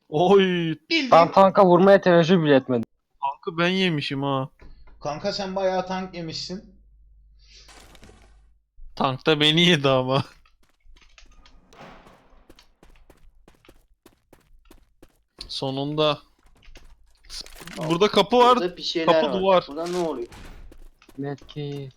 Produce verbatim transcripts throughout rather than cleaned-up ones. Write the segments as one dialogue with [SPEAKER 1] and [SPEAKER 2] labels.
[SPEAKER 1] Oy.
[SPEAKER 2] Bildiğin
[SPEAKER 3] Ben tanka vurmaya teveccüh bile etmedim.
[SPEAKER 1] Tankı ben yemişim ha.
[SPEAKER 2] kanka sen bayağı tank yemişsin.
[SPEAKER 1] Tank da beni yedi ama. Sonunda. Burada kapı var.
[SPEAKER 4] Burada bir şeyler
[SPEAKER 1] Kapı
[SPEAKER 4] var.
[SPEAKER 1] duvar.
[SPEAKER 4] Burada ne oluyor?
[SPEAKER 3] Medkit.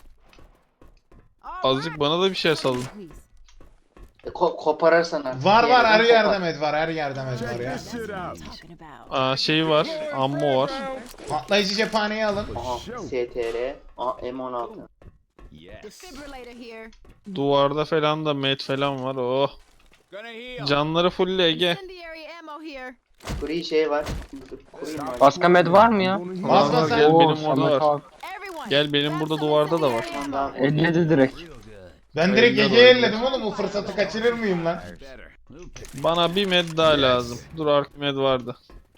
[SPEAKER 1] Azıcık bana da bir şey salın.
[SPEAKER 4] E, ko kopararsan artık.
[SPEAKER 2] Var
[SPEAKER 4] bir
[SPEAKER 2] var her
[SPEAKER 4] yerden
[SPEAKER 2] yerde
[SPEAKER 4] kopar.
[SPEAKER 2] med var her yerde med var ya.
[SPEAKER 1] Aa, şey var. Ammo var.
[SPEAKER 2] Patlayıcı cephaneyi alın.
[SPEAKER 4] Aha S T R. Aa M on altı.
[SPEAKER 5] Defibrillator here.
[SPEAKER 1] Duvarda falan da med falan var. Oh. Canları full Ege.
[SPEAKER 5] Incendiary ammo here.
[SPEAKER 4] Free şey var. Dur, kurayım ben.
[SPEAKER 3] Başka med var mı ya?
[SPEAKER 2] Bas bas
[SPEAKER 1] Gel
[SPEAKER 2] sen.
[SPEAKER 3] Oo,
[SPEAKER 1] benim orada
[SPEAKER 3] Samet
[SPEAKER 1] var.
[SPEAKER 3] abi.
[SPEAKER 5] Everyone.
[SPEAKER 1] Gel benim burada duvarda da var.
[SPEAKER 4] Tamam, daha-
[SPEAKER 3] elledi direkt.
[SPEAKER 2] Ben direkt
[SPEAKER 1] Eller
[SPEAKER 2] Ege'ye
[SPEAKER 1] oynuyor.
[SPEAKER 2] elledim oğlum o fırsatı kaçırır mıyım lan?
[SPEAKER 1] Bana bir med daha lazım. Dur ark med vardı.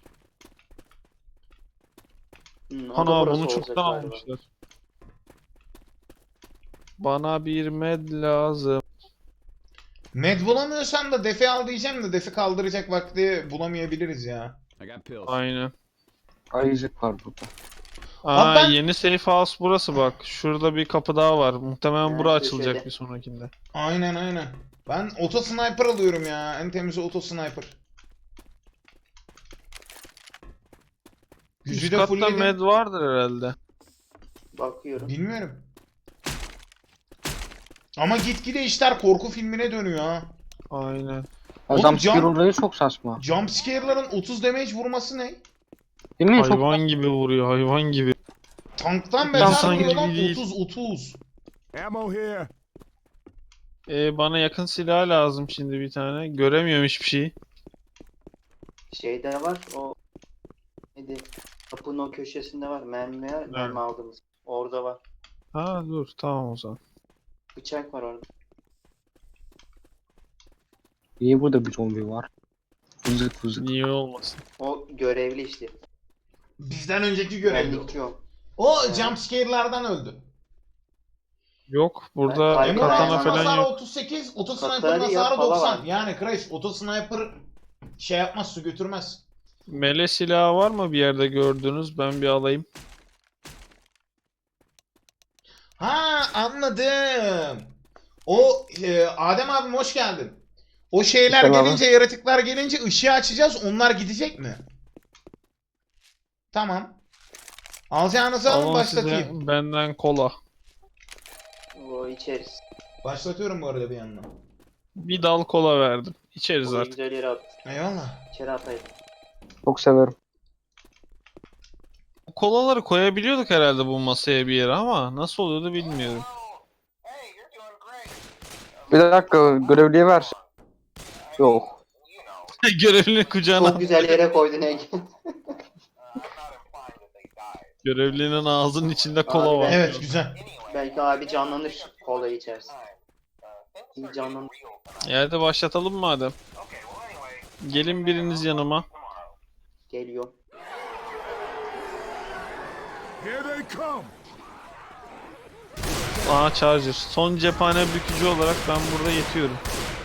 [SPEAKER 4] Hmm, o da
[SPEAKER 1] Ana
[SPEAKER 4] burası
[SPEAKER 1] bunu
[SPEAKER 4] olacak
[SPEAKER 1] çoktan
[SPEAKER 4] galiba.
[SPEAKER 1] almışlar. Bana bir med lazım.
[SPEAKER 2] Med bulamıyorsan da defi al diyeceğim de defi kaldıracak vakti bulamayabiliriz ya.
[SPEAKER 1] Aynen.
[SPEAKER 3] Ayıcık var burada.
[SPEAKER 1] Aa,
[SPEAKER 2] ben-
[SPEAKER 1] yeni safe house burası bak. Şurada bir kapı daha var. Muhtemelen
[SPEAKER 4] Ha,
[SPEAKER 1] bura
[SPEAKER 4] köşede.
[SPEAKER 1] açılacak bir sonrakinde.
[SPEAKER 2] Aynen aynen. Ben auto sniper alıyorum ya. En temizi auto sniper. Gücü
[SPEAKER 1] Üst
[SPEAKER 2] de
[SPEAKER 1] katta
[SPEAKER 2] fullledim.
[SPEAKER 1] med vardır herhalde.
[SPEAKER 4] Bakıyorum.
[SPEAKER 2] Bilmiyorum. Ama gitgide işler korku filmine dönüyor ha.
[SPEAKER 1] Aynen.
[SPEAKER 2] Oğlum,
[SPEAKER 3] Adam
[SPEAKER 2] can-
[SPEAKER 3] skill olayı çok saçma.
[SPEAKER 2] Jumpscare'ların otuz damage vurması ne?
[SPEAKER 3] Değil mi? Çok
[SPEAKER 1] Hayvan gibi vuruyor hayvan gibi.
[SPEAKER 2] Tanktan
[SPEAKER 1] İnsan
[SPEAKER 2] beter vuruyor
[SPEAKER 1] gibi
[SPEAKER 2] lan
[SPEAKER 1] değil.
[SPEAKER 2] otuz otuz.
[SPEAKER 6] Ammo here.
[SPEAKER 1] Ee, bana yakın silah lazım şimdi bir tane. Göremiyorum hiçbir şeyi.
[SPEAKER 4] Şeyde var o. Neydi? Kapının o köşesinde var. Mermi var. Mermi aldığımız. Orada var.
[SPEAKER 1] Ha dur tamam o zaman.
[SPEAKER 4] Bıçak var orada.
[SPEAKER 3] iyi, burada bir zombi var. Vızık vızık.
[SPEAKER 1] Niye olmasın?
[SPEAKER 4] O görevli işte.
[SPEAKER 2] Bizden önceki görevli.
[SPEAKER 4] Benlik yok.
[SPEAKER 2] O jumpscare'lardan öldü.
[SPEAKER 1] Yok burada
[SPEAKER 4] Ben-
[SPEAKER 2] Emre
[SPEAKER 1] katana
[SPEAKER 2] Ryan'ın
[SPEAKER 1] falan
[SPEAKER 2] hasarı
[SPEAKER 1] yok.
[SPEAKER 2] otuz sekiz, auto
[SPEAKER 4] Katana
[SPEAKER 2] sniper'ın
[SPEAKER 4] değil ya,
[SPEAKER 2] hasarı
[SPEAKER 4] pala
[SPEAKER 2] doksan.
[SPEAKER 4] var.
[SPEAKER 2] Yani Crash auto sniper şey yapmaz, su götürmez.
[SPEAKER 1] Mele silahı var mı bir yerde gördünüz? Ben bir alayım.
[SPEAKER 2] Ha anladım. O e, Adem abim hoş geldin. O şeyler
[SPEAKER 3] Tamam.
[SPEAKER 2] gelince, yaratıklar gelince ışığı açacağız. Onlar gidecek mi? Tamam. Alacağınızı alın,
[SPEAKER 1] Alın
[SPEAKER 2] başlatayım.
[SPEAKER 1] size benden kola.
[SPEAKER 4] O içeriz.
[SPEAKER 2] Başlatıyorum bu arada bir yandan.
[SPEAKER 1] Bir dal kola verdim. İçeriz
[SPEAKER 4] Orayı
[SPEAKER 1] artık.
[SPEAKER 4] güzel yere at.
[SPEAKER 2] Eyvallah.
[SPEAKER 4] İçeri atayım.
[SPEAKER 3] Çok severim.
[SPEAKER 1] Bu kolaları koyabiliyorduk herhalde bu masaya bir yere ama nasıl oluyordu bilmiyorum.
[SPEAKER 3] Bir dakika, görevliye ver. Yok.
[SPEAKER 1] Görevlinin kucağına.
[SPEAKER 4] Çok güzel yere koydun Ege.
[SPEAKER 1] Görevlinin ağzının içinde kola
[SPEAKER 4] Abi
[SPEAKER 1] var.
[SPEAKER 4] ben-
[SPEAKER 2] Evet güzel.
[SPEAKER 4] Belki abi canlanır kola içersin. İyi canlanır.
[SPEAKER 1] E hadi başlatalım madem. Gelin biriniz yanıma.
[SPEAKER 4] Geliyor.
[SPEAKER 6] Here they come.
[SPEAKER 1] Aa charger. Son cephane bükücü olarak ben burada yetiyorum.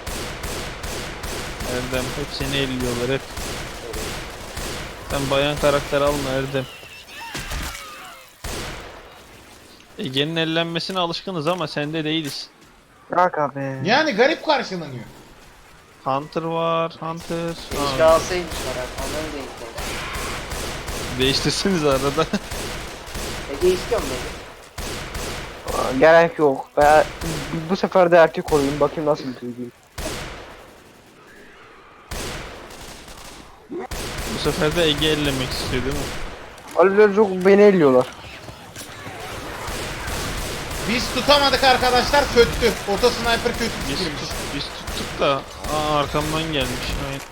[SPEAKER 1] Erdem hep seni elliyorlar hep. Sen bayan karakter alma Erdem. Ege'nin ellenmesine alışkınız ama sende değiliz.
[SPEAKER 3] Bırak abi.
[SPEAKER 2] Yani garip karşılanıyor.
[SPEAKER 1] Hunter var, Hunter.
[SPEAKER 4] Keşke
[SPEAKER 1] Aa,
[SPEAKER 4] alsaymışlar abi. Onları da istedim.
[SPEAKER 1] değiştirsiniz arada.
[SPEAKER 4] Ege istiyor mu Ege?
[SPEAKER 3] Aa, gerek yok. Ben bu sefer de erkek olayım. Bakayım nasıl bir duygu.
[SPEAKER 1] Bu sefer de Ege ellemek istiyor değil mi?
[SPEAKER 3] Aliler çok beni elliyorlar.
[SPEAKER 2] Biz tutamadık arkadaşlar, kötü. Auto sniper kötü
[SPEAKER 1] Biz,
[SPEAKER 2] fikirmiş.
[SPEAKER 1] tut, biz tuttuk da aa, arkamdan gelmiş. Aynen.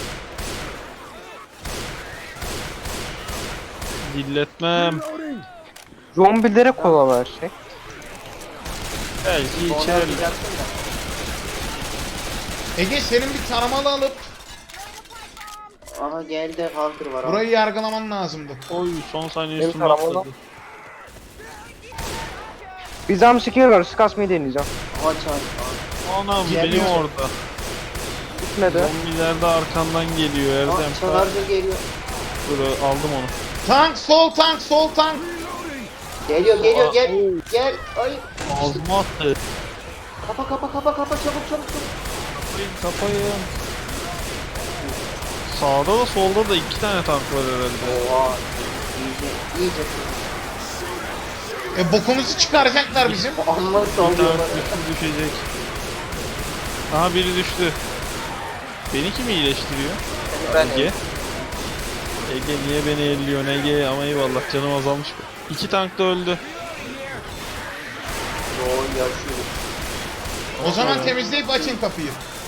[SPEAKER 1] Dilletmem.
[SPEAKER 6] Reloading.
[SPEAKER 3] Zombilere kola versek.
[SPEAKER 1] Belki
[SPEAKER 4] Onu
[SPEAKER 1] içerim.
[SPEAKER 4] atacaksın da.
[SPEAKER 2] Ege senin bir taramalı alıp
[SPEAKER 4] Aha geldi Hunter var abi.
[SPEAKER 2] burayı yargılaman lazımdı.
[SPEAKER 1] Oy son saniye
[SPEAKER 3] Benim
[SPEAKER 1] üstüme
[SPEAKER 3] tarafımda.
[SPEAKER 1] atladı.
[SPEAKER 3] Bir zam skill var. Sık asmayı deneyeceğim.
[SPEAKER 4] Aha çağır.
[SPEAKER 1] Anam
[SPEAKER 2] Geliyor.
[SPEAKER 1] benim orada.
[SPEAKER 3] gitmedi.
[SPEAKER 1] Zombiler de arkandan geliyor Erdem.
[SPEAKER 4] Aa, Charger geliyor.
[SPEAKER 1] Dur aldım onu.
[SPEAKER 2] Tank, sol tank, sol tank.
[SPEAKER 4] Geliyor geliyor
[SPEAKER 1] Aa,
[SPEAKER 4] gel. Gel. Ay.
[SPEAKER 1] Ağzıma attı.
[SPEAKER 4] Kapa kapa kapa kapa çabuk çabuk çabuk.
[SPEAKER 1] Kapayın. Sağda da solda da iki tane tank var herhalde.
[SPEAKER 4] Oha. İyice iyice.
[SPEAKER 2] E bokumuzu çıkaracaklar bizim.
[SPEAKER 4] Amma
[SPEAKER 1] Bir
[SPEAKER 4] sallıyorlar.
[SPEAKER 1] tank düştü, düşecek. Aha biri düştü. Beni kim iyileştiriyor?
[SPEAKER 3] Ben
[SPEAKER 1] Ege. Ege niye beni elliyorsun Ege? Ama eyvallah canım azalmış. İki tank da öldü.
[SPEAKER 4] Yo yaşıyor.
[SPEAKER 2] O zaman temizleyip açın kapıyı.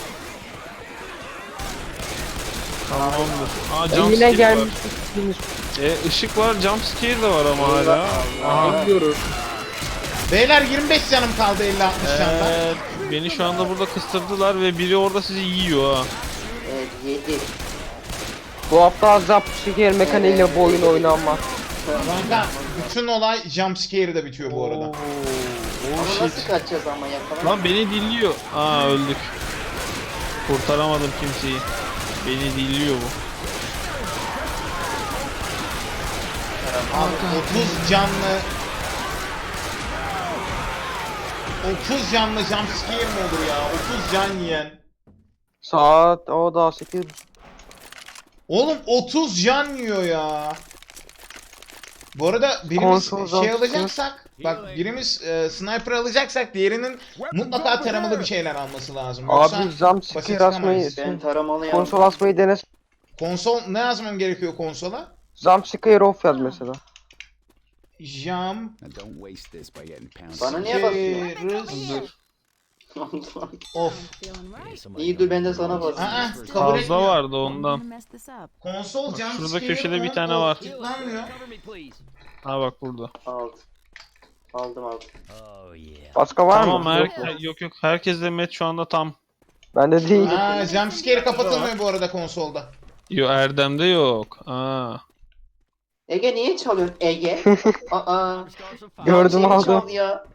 [SPEAKER 1] Tamamdır. Aa
[SPEAKER 3] E,
[SPEAKER 1] jump
[SPEAKER 3] yine
[SPEAKER 1] scare var.
[SPEAKER 3] gelmiş.
[SPEAKER 1] E ışık var, jump scare de var ama hala. Aha.
[SPEAKER 3] Biliyoruz.
[SPEAKER 2] Beyler yirmi beş canım kaldı elli altmış candan.
[SPEAKER 1] Evet, beni şu anda burada kıstırdılar ve biri orada sizi yiyor ha.
[SPEAKER 4] Evet yedi.
[SPEAKER 3] Bu hafta zap şeker mekaniğiyle bu oyun oynanmaz.
[SPEAKER 2] Kanka bütün olay jumpscare'de bitiyor bu arada.
[SPEAKER 1] Oo,
[SPEAKER 4] Ama
[SPEAKER 1] oh
[SPEAKER 4] nasıl
[SPEAKER 1] shit.
[SPEAKER 4] kaçacağız ama yakalan.
[SPEAKER 1] Lan beni dilliyor. Aa öldük. Kurtaramadım kimseyi. Beni dilliyor bu.
[SPEAKER 2] Abi otuz canlı otuz canlı jumpscare mi olur ya? otuz can yiyen.
[SPEAKER 3] Saat o da sekiz.
[SPEAKER 2] Oğlum otuz can yiyor ya. Bu arada birimiz
[SPEAKER 3] Konsol
[SPEAKER 2] şey
[SPEAKER 3] jumpscare.
[SPEAKER 2] alacaksak, bak birimiz e, sniper alacaksak diğerinin mutlaka taramalı bir şeyler alması lazım. Yoksa
[SPEAKER 3] Abi zam
[SPEAKER 2] basit
[SPEAKER 3] şeker asmayı.
[SPEAKER 2] çıkamayız.
[SPEAKER 4] Ben taramalı yaptım.
[SPEAKER 3] Konsol asmayı denes.
[SPEAKER 2] Konsol ne yazmam gerekiyor konsola?
[SPEAKER 3] Zam şeker off yaz mesela.
[SPEAKER 2] Jump
[SPEAKER 6] Now don't waste this by getting pounded.
[SPEAKER 4] Bana niye basıyor?
[SPEAKER 2] Scare off.
[SPEAKER 5] Feeling right.
[SPEAKER 4] İyi dur ben de sana basayım.
[SPEAKER 2] Aa, kabul
[SPEAKER 1] Fazla
[SPEAKER 2] etmiyor.
[SPEAKER 1] vardı
[SPEAKER 5] Don't
[SPEAKER 1] ondan.
[SPEAKER 5] wanna mess this up.
[SPEAKER 2] Konsol
[SPEAKER 1] Bak,
[SPEAKER 2] jump
[SPEAKER 1] şurada
[SPEAKER 2] scare
[SPEAKER 1] köşede bir
[SPEAKER 2] on,
[SPEAKER 1] tane
[SPEAKER 2] off,
[SPEAKER 1] var.
[SPEAKER 2] tıklanmıyor.
[SPEAKER 1] Ha bak burada.
[SPEAKER 4] Aldım. Aldım aldım.
[SPEAKER 3] Başka var
[SPEAKER 1] Tamam
[SPEAKER 3] mı?
[SPEAKER 1] her
[SPEAKER 3] Yok mu?
[SPEAKER 1] yok yok herkes de met şu anda tam.
[SPEAKER 3] Bende değil.
[SPEAKER 2] Ha, jumpscare kapatılmıyor bu arada konsolda.
[SPEAKER 1] Yo Erdem'de yok. Aa.
[SPEAKER 4] Ege niye çalıyorsun Ege? Aa.
[SPEAKER 3] Gördüm
[SPEAKER 4] Seni
[SPEAKER 3] aldım.
[SPEAKER 4] çal ya.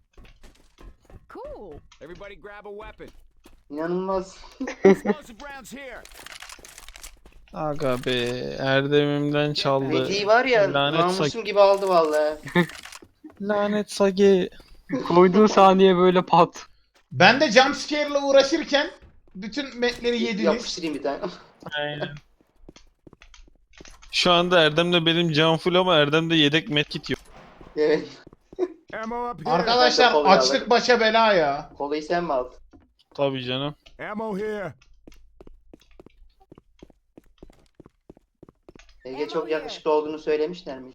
[SPEAKER 5] Cool.
[SPEAKER 6] Everybody grab a weapon.
[SPEAKER 4] İnanılmaz.
[SPEAKER 6] Explosive rounds here.
[SPEAKER 1] Aga be Erdem'imden çaldı.
[SPEAKER 4] Hediye var ya
[SPEAKER 1] Lanet
[SPEAKER 4] namusum
[SPEAKER 1] sak-
[SPEAKER 4] gibi aldı vallahi.
[SPEAKER 1] Lanet Sage.
[SPEAKER 3] Koyduğun saniye böyle pat.
[SPEAKER 2] Ben de jumpscare'la uğraşırken bütün metleri yediniz.
[SPEAKER 4] Yapıştırayım bir tane.
[SPEAKER 1] Aynen. Şu anda Erdem'le benim can full ama Erdem'de yedek medkit yok.
[SPEAKER 4] Evet.
[SPEAKER 6] Ammo up here.
[SPEAKER 2] Arkadaşlar
[SPEAKER 4] Ben de kolay
[SPEAKER 2] açlık
[SPEAKER 4] alırım.
[SPEAKER 2] başa bela ya.
[SPEAKER 4] Kolayı sen mi aldın?
[SPEAKER 1] Tabii canım.
[SPEAKER 6] Ammo here.
[SPEAKER 4] Ege çok yakışıklı olduğunu söylemişler mi?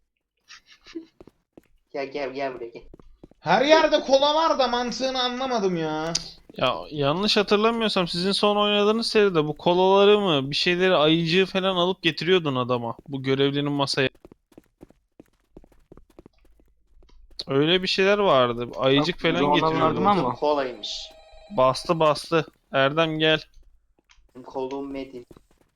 [SPEAKER 4] Gel gel gel buraya gel.
[SPEAKER 2] Her yerde kola var da mantığını anlamadım ya.
[SPEAKER 1] Ya yanlış hatırlamıyorsam sizin son oynadığınız seride bu kolaları mı bir şeyleri ayıcığı falan alıp getiriyordun adama. Bu görevlinin masaya. Öyle bir şeyler vardı. Ayıcık
[SPEAKER 3] Yok,
[SPEAKER 1] falan
[SPEAKER 3] biz ona
[SPEAKER 1] getiriyordun.
[SPEAKER 3] verdim ama.
[SPEAKER 4] Kolaymış.
[SPEAKER 1] Bastı bastı. Erdem gel.
[SPEAKER 4] Benim Kolluğum Metin.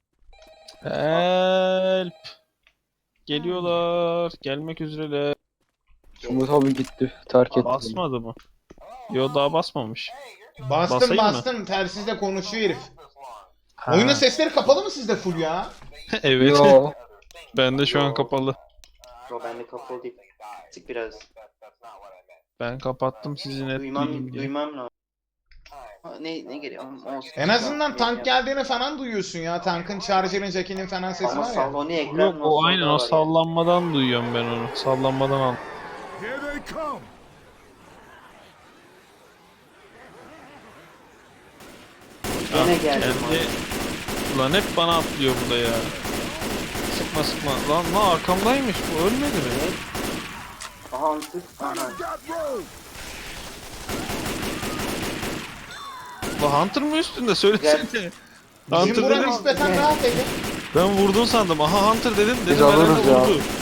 [SPEAKER 1] Help. Geliyorlar. Gelmek üzereler.
[SPEAKER 3] Umut abi gitti. Terk etti.
[SPEAKER 1] Basmadı mı? Yo daha basmamış.
[SPEAKER 2] Bastım
[SPEAKER 1] Basayım mı?
[SPEAKER 2] bastım telsizle konuşuyor herif.
[SPEAKER 1] Ha.
[SPEAKER 2] Oyunun sesleri kapalı mı sizde full ya?
[SPEAKER 1] Evet.
[SPEAKER 3] Yo.
[SPEAKER 1] Bende şu an kapalı.
[SPEAKER 4] Yo bende kapalı değil. Sık biraz.
[SPEAKER 1] Ben kapattım sizi net
[SPEAKER 4] Duymam,
[SPEAKER 1] duyayım diye.
[SPEAKER 4] duymam lazım. Ha, ne ne geliyor? Olsun.
[SPEAKER 2] En azından
[SPEAKER 4] Ne
[SPEAKER 2] tank
[SPEAKER 4] yap-
[SPEAKER 2] geldiğini falan duyuyorsun ya. Tankın, charger'ın, jackinin falan sesi
[SPEAKER 4] Ama
[SPEAKER 2] var ya.
[SPEAKER 4] salonu ekran
[SPEAKER 1] Yok
[SPEAKER 4] nasıl
[SPEAKER 1] o aynen
[SPEAKER 4] daha
[SPEAKER 1] o
[SPEAKER 4] var ya.
[SPEAKER 1] sallanmadan duyuyorum ben onu. Sallanmadan al.
[SPEAKER 6] Here they come.
[SPEAKER 4] Gene
[SPEAKER 1] Ah,
[SPEAKER 4] geldim.
[SPEAKER 1] geldi. Ulan hep bana atlıyor bu da ya. Sıkma sıkma. Lan lan arkamdaymış bu ölmedi mi?
[SPEAKER 4] Aha Hunter. Aha.
[SPEAKER 6] Got rogue.
[SPEAKER 1] Lan Hunter mı üstünde söylesene.
[SPEAKER 2] Bizim
[SPEAKER 1] Hunter
[SPEAKER 2] bura
[SPEAKER 1] dedim.
[SPEAKER 2] nispeten rahat Ege.
[SPEAKER 1] Ben vurdun sandım. Aha Hunter dedim.
[SPEAKER 3] Biz
[SPEAKER 1] Dedim herhalde
[SPEAKER 3] alırız ya.
[SPEAKER 1] vurdu.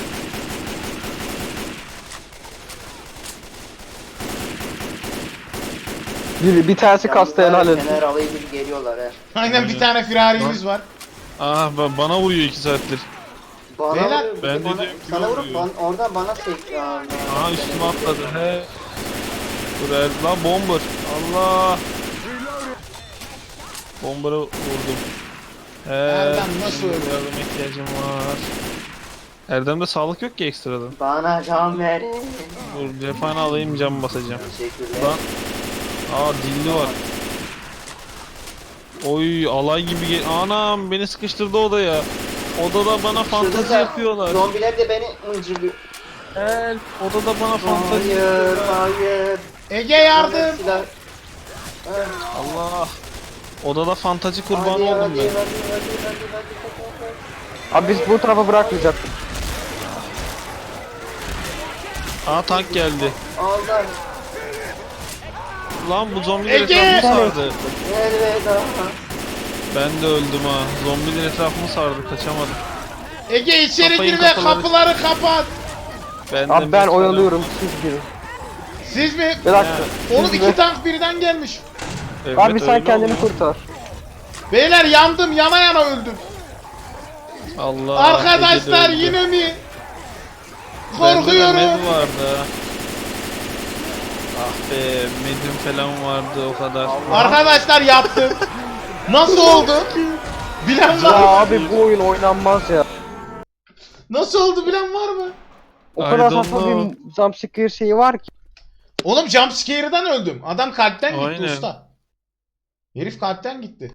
[SPEAKER 3] Bir, bir tanesi kastı helal
[SPEAKER 4] Yalnız
[SPEAKER 3] et.
[SPEAKER 4] Fener alayı gibi geliyorlar he.
[SPEAKER 2] Aynen bir tane firarimiz var.
[SPEAKER 1] Ah ba- bana vuruyor iki saattir.
[SPEAKER 4] Bana
[SPEAKER 2] Beyler,
[SPEAKER 4] vuruyor, bir de
[SPEAKER 1] ben de
[SPEAKER 4] bana,
[SPEAKER 1] diyorum ki
[SPEAKER 4] sana vurup
[SPEAKER 1] vuruyor.
[SPEAKER 4] ban, oradan bana sek. Aa,
[SPEAKER 1] Aha üstüme atladı. He. Dur er- lan bomber. Allah. Bombarı vurdum. Ee,
[SPEAKER 2] Erdem nasıl
[SPEAKER 1] benim
[SPEAKER 2] öldü?
[SPEAKER 1] yardıma ihtiyacım var. Erdem'de sağlık yok ki ekstradan.
[SPEAKER 4] Bana can ver.
[SPEAKER 1] Dur cephane alayım, cam basacağım.
[SPEAKER 4] Teşekkürler.
[SPEAKER 1] Lan. Aa dilli var. Oy alay gibi gel. Anam beni sıkıştırdı odaya. Odada bana fantezi
[SPEAKER 4] Şurada da
[SPEAKER 1] yapıyorlar.
[SPEAKER 4] Zombiler de beni mıncırlıyor.
[SPEAKER 1] Help. Odada bana fantezi
[SPEAKER 4] Hayır,
[SPEAKER 1] yapıyorlar.
[SPEAKER 4] hayır.
[SPEAKER 2] Ege yardım.
[SPEAKER 4] Silah.
[SPEAKER 1] Allah. Odada fantazi kurbanı
[SPEAKER 4] Hadi,
[SPEAKER 1] oldum
[SPEAKER 4] hadi,
[SPEAKER 1] ben.
[SPEAKER 4] hadi, hadi, hadi, hadi,
[SPEAKER 3] Abi biz bu tarafa bırakmayacaktık.
[SPEAKER 1] Aa tank geldi.
[SPEAKER 4] hadi. Aldan.
[SPEAKER 1] Lan bu zombiler
[SPEAKER 2] Ege!
[SPEAKER 1] etrafımı sardı.
[SPEAKER 4] Elveda.
[SPEAKER 1] Ben de öldüm ha. Zombiler etrafımı sardı, kaçamadım.
[SPEAKER 2] Ege içeri
[SPEAKER 1] Kapayın
[SPEAKER 2] gir ve
[SPEAKER 1] kapıları.
[SPEAKER 2] kapıları kapat.
[SPEAKER 1] Ben de
[SPEAKER 3] Abi ben
[SPEAKER 1] mesela-
[SPEAKER 3] oyalıyorum siz girin.
[SPEAKER 2] Siz mi?
[SPEAKER 3] Bir dakika.
[SPEAKER 2] Oğlum
[SPEAKER 3] siz
[SPEAKER 2] iki
[SPEAKER 3] de-
[SPEAKER 2] tank birden gelmiş.
[SPEAKER 1] Evet,
[SPEAKER 3] Abi sen
[SPEAKER 1] öyle
[SPEAKER 3] kendini
[SPEAKER 1] oluyor.
[SPEAKER 3] kurtar.
[SPEAKER 2] Beyler yandım, yana yana öldüm.
[SPEAKER 1] Allah.
[SPEAKER 2] Arkadaşlar
[SPEAKER 1] Ege de öldü.
[SPEAKER 2] yine mi?
[SPEAKER 1] Bende de
[SPEAKER 2] Korkuyorum.
[SPEAKER 1] med vardı. Ah be, medim falan vardı o kadar.
[SPEAKER 2] Arkadaşlar yaptım. Nasıl oldu? Bilen
[SPEAKER 3] Ya
[SPEAKER 2] var mı?
[SPEAKER 3] abi bu oyun oynanmaz ya.
[SPEAKER 2] Nasıl oldu bilen var mı?
[SPEAKER 3] O
[SPEAKER 1] I
[SPEAKER 3] kadar
[SPEAKER 1] don't
[SPEAKER 3] saçma
[SPEAKER 1] know.
[SPEAKER 3] bir jumpscare şeyi var ki.
[SPEAKER 2] Oğlum jumpscare'dan öldüm. Adam kalpten gitti
[SPEAKER 1] Aynen.
[SPEAKER 2] usta. Herif kalpten gitti.